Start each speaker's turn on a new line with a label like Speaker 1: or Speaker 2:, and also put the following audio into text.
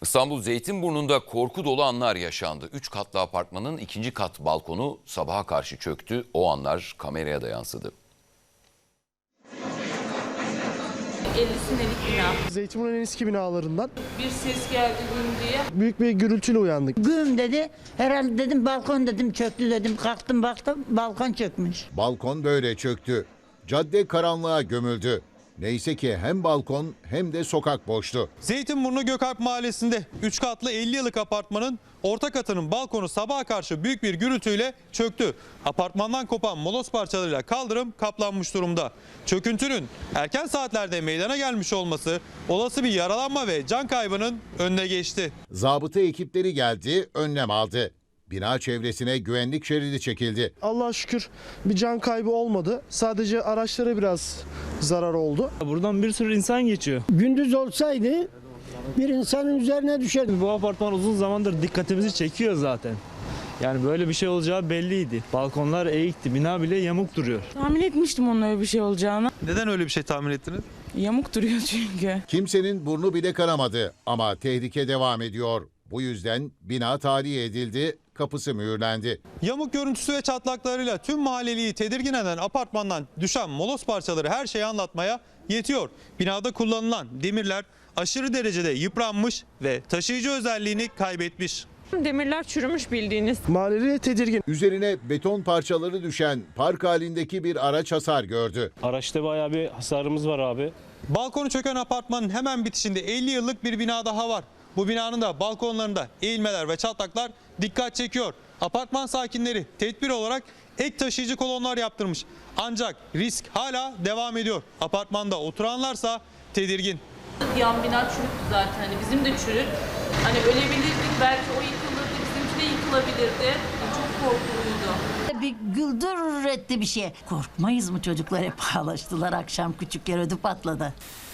Speaker 1: İstanbul Zeytinburnu'nda korku dolu anlar yaşandı. 3 katlı apartmanın 2. kat balkonu sabaha karşı çöktü. O anlar kameraya da yansıdı.
Speaker 2: 50 senelik bina.
Speaker 3: Zeytinburnu'nun en eski binalarından.
Speaker 2: Bir ses geldi güm diye.
Speaker 3: Büyük bir gürültüyle uyandık.
Speaker 4: Güm dedi. Herhalde dedim balkon dedim çöktü dedim. Kalktım baktım balkon çökmüş.
Speaker 5: Balkon böyle çöktü. Cadde karanlığa gömüldü. Neyse ki hem balkon hem de sokak boştu.
Speaker 6: Zeytinburnu Gökalp Mahallesi'nde 3 katlı 50 yıllık apartmanın orta katının balkonu sabaha karşı büyük bir gürültüyle çöktü. Apartmandan kopan moloz parçalarıyla kaldırım kaplanmış durumda. Çöküntünün erken saatlerde meydana gelmiş olması olası bir yaralanma ve can kaybının önüne geçti.
Speaker 5: Zabıta ekipleri geldi, önlem aldı. Bina çevresine güvenlik şeridi çekildi.
Speaker 3: Allah'a şükür bir can kaybı olmadı. Sadece araçlara biraz zarar oldu.
Speaker 7: Buradan bir sürü insan geçiyor.
Speaker 8: Gündüz olsaydı bir insanın üzerine düşerdi.
Speaker 7: Bu apartman uzun zamandır dikkatimizi çekiyor zaten. Yani böyle bir şey olacağı belliydi. Balkonlar eğikti, bina bile yamuk duruyor.
Speaker 2: Tahmin etmiştim onun öyle bir şey olacağını.
Speaker 6: Neden öyle bir şey tahmin ettiniz?
Speaker 2: Yamuk duruyor çünkü.
Speaker 5: Kimsenin burnu bile kanamadı ama tehlike devam ediyor. Bu yüzden bina tahliye edildi, kapısı mühürlendi.
Speaker 6: Yamuk görüntüsü ve çatlaklarıyla tüm mahalleliyi tedirgin eden apartmandan düşen moloz parçaları her şeyi anlatmaya yetiyor. Binada kullanılan demirler aşırı derecede yıpranmış ve taşıyıcı özelliğini kaybetmiş.
Speaker 2: Demirler çürümüş bildiğiniz.
Speaker 3: Mahalleli tedirgin.
Speaker 5: Üzerine beton parçaları düşen park halindeki bir araç hasar gördü.
Speaker 7: Araçta bayağı bir hasarımız var abi.
Speaker 6: Balkonu çöken apartmanın hemen bitişinde 50 yıllık bir bina daha var. Bu binanın da balkonlarında eğilmeler ve çatlaklar dikkat çekiyor. Apartman sakinleri tedbir olarak ek taşıyıcı kolonlar yaptırmış. Ancak risk hala devam ediyor. Apartmanda oturanlarsa tedirgin.
Speaker 2: Yan bina çürüktü zaten. Hani bizim de çürük. Hani ölebilirdik, belki o yıkılırdı, bizimki de yıkılabilirdi. Çok korkuluydu.
Speaker 4: Bir güldür etti bir şey. Korkmayız mı çocuklar hep ağlaştılar akşam küçük yer ödü patladı.